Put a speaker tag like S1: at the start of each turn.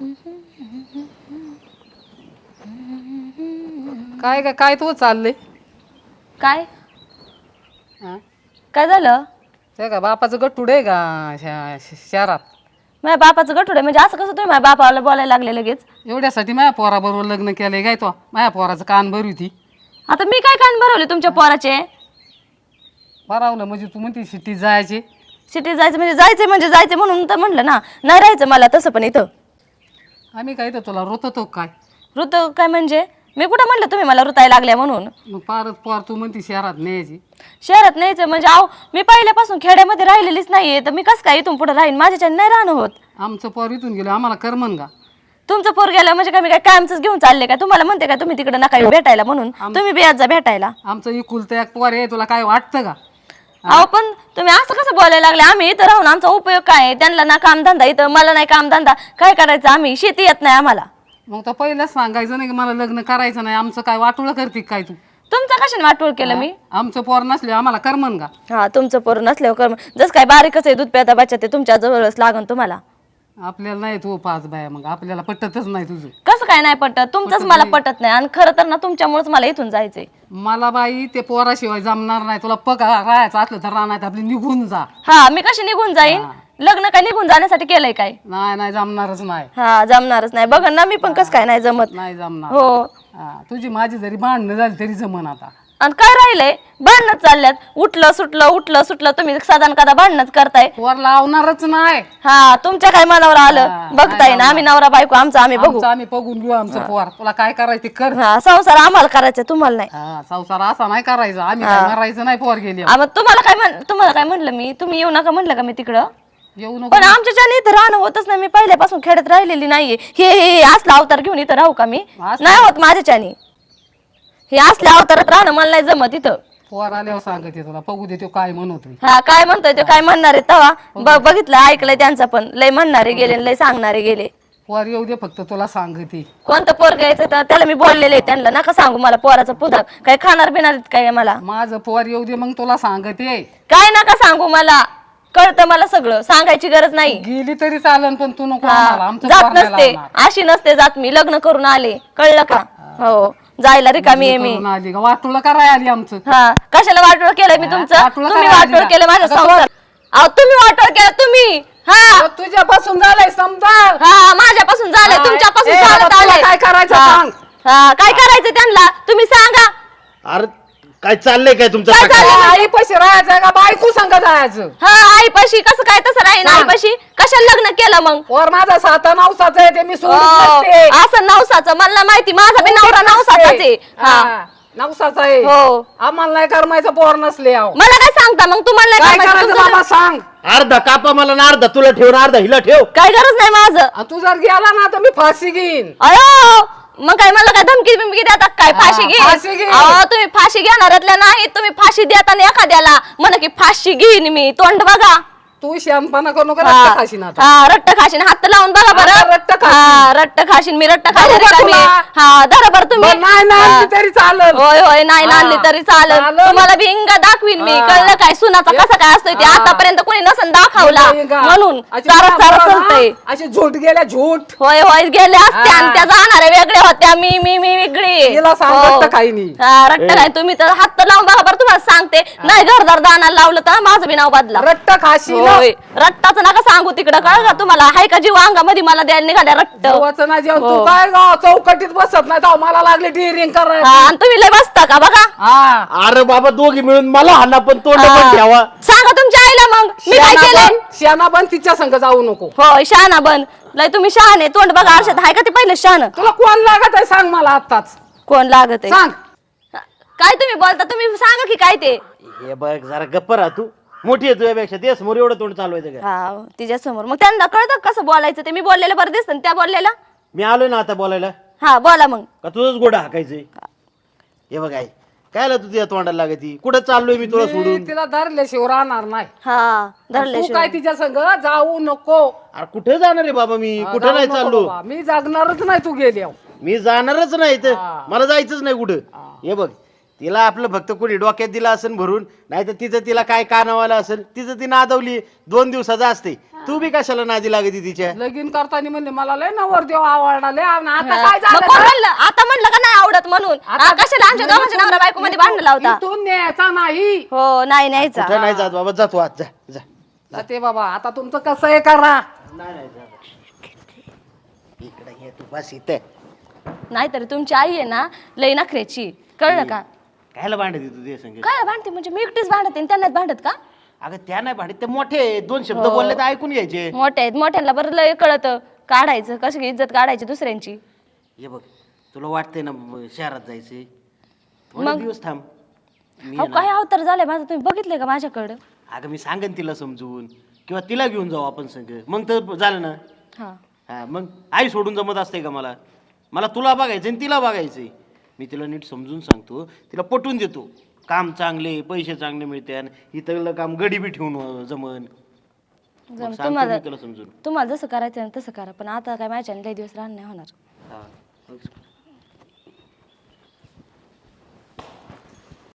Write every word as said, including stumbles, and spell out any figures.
S1: काय काय काय तू चाललंय
S2: काय
S1: हा?
S2: काय झालं?
S1: ते का बापाचं गट्टूड आहे का शा- श- शहरात
S2: माझ्या बापाचं गठुड आहे म्हणजे असं कसं तुम्ही माझ्या बापाला बोलायला लागले लगेच?
S1: एवढ्यासाठी माझ्या पोराबरोबर लग्न केलंय काय तो माझ्या पोराचं कान भरू होती
S2: आता मी काय कान भरवले तुमच्या पोराचे?
S1: बरावलं म्हणजे तू म्हणते सिटीत जायचे
S2: सिटीत जायचं म्हणजे जायचं म्हणजे जायचं म्हणून तर म्हणलं ना. नाही राहायचं मला तसं पण इथं.
S1: आम्ही काय तर तुला रोततो काय
S2: ऋत काय म्हणजे? मी कुठं म्हणलं तुम्ही मला ऋतायला लागल्या म्हणून?
S1: मग पारत पोर तू म्हणते शहरात न्यायची
S2: शहरात न्यायचं म्हणजे आहो मी पहिल्यापासून खेड्यामध्ये राहिलेलीच नाहीये तर मी कसं काय इथून पुढे राहीन? माझ्याच्याने नाही राहणं होत.
S1: आमचं पोर इथून गेलो आम्हाला करमन का
S2: तुमचं पोर गेलं म्हणजे काय मी काय कायमच घेऊन चालले काय? तुम्हाला म्हणते का तुम्ही तिकडे नका येऊ भेटायला म्हणून? तुम्ही बियात जा भेटायला.
S1: आमचं इकुलतं एक पोर आहे तुला काय वाटतं का
S2: अहो पण तुम्ही असं कसं बोलायला लागले? आम्ही इथं राहून आमचा उपयोग काय आहे? त्यांना ना कामधंदा इथं मला नाही कामधंदा काय करायचं? आम्ही शेती येत नाही आम्हाला.
S1: मग तर पहिलंच सांगायचं नाही की मला लग्न करायचं नाही आमचं काय वाटोळं करते काय तू
S2: तुमचं कशाने वाटोळ केलं मी?
S1: आमचं पोर नसले आम्हाला करमन का
S2: हा तुमचं पोर नसल्यावर कर्म जसं काय बारीकच आहे दूध प्याता बच्चा ते तुमच्या जवळच लागन तुम्हाला.
S1: आपल्याला नाही तू पाच बाया मग आपल्याला पटतच नाही तुझं
S2: कसं काय नाही पटत? तुमचंच मला पटत नाही आणि खरं तर ना तुमच्यामुळेच मला इथून जायचंय.
S1: मला बाई ते पोराशिवाय जमणार नाही तुला पग राहायचं असलं तर राहणार आपली निघून जा
S2: हा मी कशी निघून जाईन? लग्न काय निघून जाण्यासाठी केलंय काय?
S1: नाही नाही जमणारच नाही
S2: हा जमणारच नाही. बघ ना मी पण कसं काय नाही जमत.
S1: नाही जमणार
S2: हो
S1: हा, तुझी माझी जरी भांडणं झाली तरी जमन आता
S2: आणि काय राहिलंय? भांडणच चालल्यात. उठलं सुटलं उठलं सुटलं तुम्ही साधारण कदा भांडणच करताय.
S1: पोर लावणारच नाही
S2: हा तुमच्या काय मनावर
S1: हा,
S2: आलं बघताय ना. आम्ही नवरा बायको आमचं आम्ही बघू.
S1: आमचं आम्ही बघून घेऊ आमचं पोर तुला काय करायचं ते कर
S2: हा संसार आम्हाला करायचा तुम्हाला नाही.
S1: हा संसार असा नाही करायचा आम्ही काय मारायचं नाही पोर गेली
S2: आ, मग तुम्हाला काय म्हण तुम्हाला काय म्हणलं मी? तुम्ही येऊ नका म्हणलं का मी तिकडं?
S1: येऊ नको
S2: पण आमच्याच्याने इथं राहणं होतच नाही. मी पहिल्यापासून खेड्यात राहिलेली नाहीये. हे हे हे असला अवतार घेऊन इथं राहू का मी? नाही होत माझ्याच्याने. हे असल्या अवतारात राहणं मला नाही जमत इथं.
S1: पोर आल्यावर सांगते तुला बघू दे तो काय म्हणतो
S2: हा काय म्हणतोय ते काय म्हणणार आहे तवा बघितलं ऐकलंय त्यांचं पण लय म्हणणारे गेले लय सांगणारे गेले.
S1: पोर येऊ दे फक्त तुला सांगते
S2: कोणतं पोर घ्यायचं तर त्याला मी बोललेले त्यांना नका सांगू मला पोराचं पुदा काय खाणार बिणार काय मला
S1: माझं पोर येऊ दे मग तुला सांगते
S2: काय नका सांगू मला कळतं मला सगळं सांगायची गरज नाही.
S1: गेली तरी चालन पण तू नको आम्हाला आमचं
S2: जात
S1: पोर नाही
S2: नसते
S1: लावणार.
S2: अशी नसते जात मी लग्न करून आले कळलं का? हो जायला रिकामी आहे मी.
S1: करून आली का वाटोळं कराय आली आमचं
S2: हा कशाला वाटोळ केलंय मी तुमचं?
S1: वाटोळं
S2: तुम्ही
S1: करायला
S2: वाटोळ
S1: आली
S2: केलं
S1: ना.
S2: माझ्या
S1: अगं
S2: संसार. अहो तुम्ही वाटोळ केलं तुम्ही. हा
S1: अहो, तुझ्यापासून झालंय समजा
S2: हा माझ्यापासून झालंय
S1: हा,
S2: तुमच्यापासून
S1: ए,
S2: चालत
S1: बाबा, तुला
S2: आलंय.
S1: काय करायचं
S2: हा.
S1: सांग.
S2: हा काय करायचं त्यांना तुम्ही सांगा.
S3: अरे काय चाललंय काय तुमचं
S2: काय
S3: सकाळी?
S2: चाललंय?
S1: आई पैसे राहायचं का बायको संग जायचं
S2: हा आईपाशी कसं काय तसं राहीन?
S1: सांग.
S2: आईपाशी कशाला लग्न केलं मग?
S1: पोर माझा सात नवसाचं आहे ते मी सोडून
S2: अहो,
S1: नसते.
S2: असं नवसाचं मला माहिती माझा बी नवरा नवसाचाच आहे. हा
S1: हा, नवसाचा आहे
S2: हो
S1: आम्हाला नाही करमायचं पोर नसले अहो.
S2: मला काय सांगता मग तुम्हाला
S1: काय
S2: नाही
S1: करायचं
S2: तुमचं-
S1: बाबा सांग
S3: अर्धा कापा मला ना अर्धा तुला ठेव ना अर्धा हिला ठेव.
S2: काय गरज नाही माझं.
S1: आ, तू जर गेला ना तर मी फाशी घेईन
S2: अयो मग काय मला काय धमकी बिमकी देतात काय? फाशी
S1: हा, फाशी
S2: घे
S1: घे.
S2: अहो तुम्ही फाशी घेणाऱ्यातल्या नाही. तुम्ही फाशी देताना एखाद्याला म्हणा की फाशी घेईन मी तोंड बघा.
S1: तू शानपणा करू नका
S2: हा
S1: रक्त खाशीन आता
S2: हा, रट्ट खाशीन हात लावून बघा
S1: आता
S2: बरं.
S1: रट्ट खाशीन.
S2: हा रट्ट खाशीन मी रट्ट खाशीन
S1: बरोबर
S2: रिकामी.
S1: तुला.
S2: हा धरा बरं तुम्ही.
S1: बरं, नाही नाही तरी चालेल
S2: होय होय नाही
S1: हा.
S2: नांदली तरी चालेल.
S1: चालेल.
S2: तुम्हाला बी इंगा दाखवीन मी
S1: हा.
S2: कळलं काय? सुनाचा कसा काय असतोय ते
S1: हा.
S2: आतापर्यंत कोणी नसन दाखवला
S1: इंगा.
S2: म्हणून
S1: अशी
S2: चारा चारा
S1: पोरं ना,
S2: चालतंय.
S1: अशी झूट गेल्या झूट
S2: होय होय गेले असते
S1: हा.
S2: आणि त्या जाणाऱ्या वेगळ्या होत्या मी मी मी वेगळी.
S1: तिला सांग
S2: हो.
S1: रट्ट खाईनी.
S2: हा रट्ट काय तुम्ही तर हात तर लावून बघा बरं तुम्हाला सांगते नाही घरदार दाना लावलं तर माझं बी नाव बदला.
S1: रट्ट खाशी
S2: होय रट्टाचं नका सांगू तिकडं कळ का तुम्हाला हाय का जीव अंगामध्ये मला द्यायला निघाल्या रट्ट.
S1: जेवाचं ना जेवण
S2: हो.
S1: तू काय गाव चौकटीत बसत नाही तर मला लागले डिरिंग
S2: हा
S1: करायला
S2: आणि तुम्ही लय बसता का बघा?
S1: हा
S3: अरे बाबा दोघी मिळून मला हाना पण तोंड
S2: हा.
S3: पण ठेवा.
S2: सांगा तुमच्या आईला मग मी काय
S1: शेणा
S2: केलंय?
S1: बन शेणा बन तिच्या संग जाऊ नको
S2: होय शहाणा बन लय तुम्ही शहाणे तोंड बघा आरशात हाय का ते पहिलं शहाण?
S1: तुला कोण लागत आहे सांग मला आताच
S2: कोण लागत आहे?
S1: सांग
S2: काय तुम्ही बोलता तुम्ही सांगा की काय ते?
S3: हे बघ जरा गप्प राहा तू मोठी आहे तुझ्यापेक्षा ते समोर एवढं तोंड चालवायचं का?
S2: हा तिच्या समोर मग त्यांना कळतं कसं बोलायचं ते? मी बोललेलं बरं दिसतं ना त्या बोललेला.
S3: मी आलोय ना आता बोलायला
S2: हा बोला मग.
S3: का तुझंच गोडा हाकायचंय? हे बघ आई कायला तू तुझ्या तोंडाला लागती कुठं चाललोय मी तुला सोडून?
S1: मी तिला धरल्याशिवाय राहणार नाही
S2: हा
S1: तू
S2: धरल्याशिवाय
S1: काय तिच्या संग जाऊ नको
S3: अरे कुठं जाणार आहे बाबा मी
S1: हा,
S3: कुठं
S1: जाऊ
S3: नाही
S1: नको
S3: चाललो
S1: बाबा. मी जागणारच नाही तू गेली
S3: मी जाणारच नाही तर
S1: हा.
S3: मला जायचंच नाही कुठं. हे बघ तिला आपलं फक्त कोणी डोक्यात दिलं असेल भरून, नाही तर तिचं तिला काय कानावाला असेल तिचं ती नादवली. दोन दिवसाचं असते. तू बी कशाला नादी लागती तिच्या?
S1: लगीन करताना म्हणले मला लय नवर देव आवडला लय आवडला. आता काय
S2: मग
S1: झालं
S2: कोण म्हणलं? आता म्हणलं का नाही आवडत म्हणून? हा, कशाला आमच्या दोघांच्या नवरा बायको मध्ये भांडण लावता?
S1: इथून न्यायचा नाही.
S2: हो नाही न्यायचा.
S3: कुठं नाही जात बाबा, जातो आज, जा जा.
S1: जाते बाबा आता तुमचं कसं आहे करा.
S3: नाही नाही जा. इकडे ये तू, बस इथे.
S2: नाहीतर तुमची आई आहे ना लई नखऱ्याची, कळलं का?
S3: कायला भांडत तू ते संग?
S2: काय भांडते म्हणजे मी एकटीच भांडते आणि त्यांनाच भांडत का?
S3: अगं त्या नाही भांडत, ते मोठे आहेत. दोन शब्द बोलले तर ऐकून घ्यायचे.
S2: मोठे आहेत, मोठ्यांना बरं लय कळतं काढायचं, कशी इज्जत काढायची दुसऱ्यांची.
S3: ये बघ, तुला वाटतंय ना म- शहरात जायचे, थोडे दिवस थांब. मी
S2: अहो काय अवतार झालंय माझं, तुम्ही बघितलंय का माझ्याकडं?
S3: अगं मी सांगेन तिला समजून, किंवा तिला घेऊन जाऊ आपण संग, मग तर झालं ना.
S2: हा
S3: हा मग आई सोडून जमत असते का मला? मला तुला बघायचं आणि तिला बघायचंय. मी तिला नीट समजून सांगतो, तिला पटवून देतो. काम चांगले, पैसे चांगले मिळते, आणि इथलं काम गडी बी ठेवून जमन. मग
S2: जम-
S3: सांगतो
S2: तुम्हाला
S3: मी तिला समजून.
S2: तुम्हाला जसं करायचं ना तसं करा, पण आता काय माझ्या लय दिवस राहणं नाही होणार.
S3: हा.